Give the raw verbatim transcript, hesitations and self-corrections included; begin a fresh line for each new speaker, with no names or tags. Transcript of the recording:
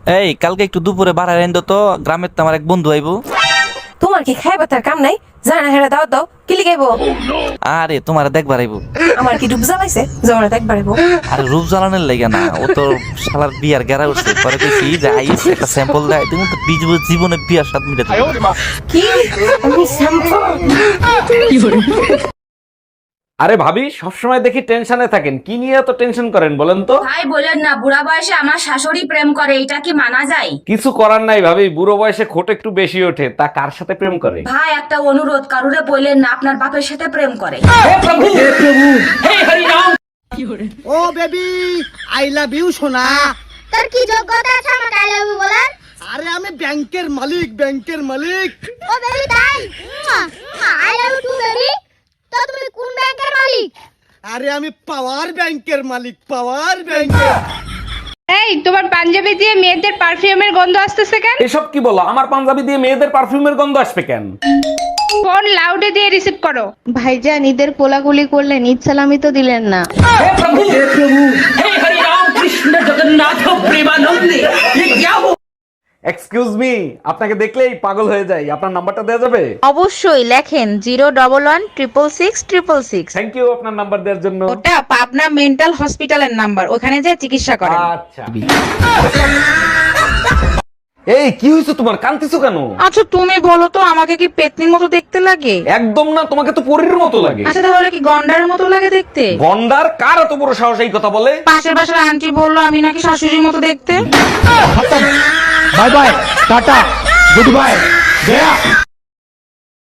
এই কালকে একটু দুপুরে বাড়ায় এনে তো, গ্রামের তো আমার এক বন্ধু আইবো।
তোমার কি খাইবা তার কাম নাই? জানা হেরা দাও দাও কি লিখাইবো?
আরে তোমার দেখবার আইবো।
আমার কি ডুব জ্বালাইছে জমানা দেখবার আইবো?
আরে রূপ জ্বালানোর লাগে না, ও তো শালার বিয়ার গেরা উঠছে। পরে কইছি যে আইস একটা স্যাম্পল দেয়, তুমি তো বিজ- জীবনে বিয়ার স্বাদ মিটাতে পারবে না।
কি আমি শ্যাম্পু?
আরে ভাবি, সবসময় দেখি টেনশনে থাকেন, কি নিয়ে এত টেনশন করেন বলেন তো?
ভাই বলেন না, বুড়া বয়সে আমার শাশুড়ি প্রেম করে, এটা কি মানা যায়?
কিছু করার নাই ভাবি, বুড়ো বয়সে খোট একটু বেশি ওঠে, তা কার সাথে প্রেম করে?
ভাই একটা অনুরোধ, কারুরে বললেন না আপনার বাপের সাথে প্রেম করে।
ও বেবি আই লাভ ইউ সোনা।
তোর কি যোগ্যতা আছে আমাকে আই লাভ ইউ বলার?
আরে আমি ব্যাংকের মালিক, ব্যাংকের মালিক।
ও বেবি তাই I love you too baby. তো তুমি কোন ব্যাংকের মালিক?
আরে আমি পাওয়ার ব্যাংকের মালিক, পাওয়ার ব্যাংকের।
এই তোমার পাঞ্জাবি দিয়ে মেয়েদের পারফিউমের গন্ধ আসতেছে কেন?
এসব কি বলো? আমার পাঞ্জাবি দিয়ে মেয়েদের পারফিউমের গন্ধ আসবে কেন?
ফোন লাউডে দিয়ে রিসিভ করো।
ভাইজান ঈদের কোলাকুলি করলেন, ঈদ সালামি তো দিলেন না।
এক্সকিউজ মি, আপনাকে দেখলেই পাগল হয়ে যাই, আপনার নাম্বারটা দেওয়া যাবে?
অবশ্যই লেখেন zero double one triple six triple six.
Thank you আপনার নাম্বার দেওয়ার জন্য।
ওটা পাবনা মেন্টাল হসপিটালের নাম্বার, ওখানে যে চিকিৎসা করেন।
আচ্ছা। এই কি হয়েছে তোমার, কাঁদতেছো কেন?
আচ্ছা তুমি বলো তো, আমাকে কি পেতনির মতো দেখতে লাগে?
একদম না, তোমাকে তো পরীর মতো লাগে।
আচ্ছা তাহলে কি গন্ডার মতো লাগে দেখতে?
গন্ডার? কার এত বড় সাহস এই কথা বলে?
পাশের পাশের আন্টি বললো আমি নাকি শাশুড়ির মতো দেখতে।
Bye bye, tata, good by.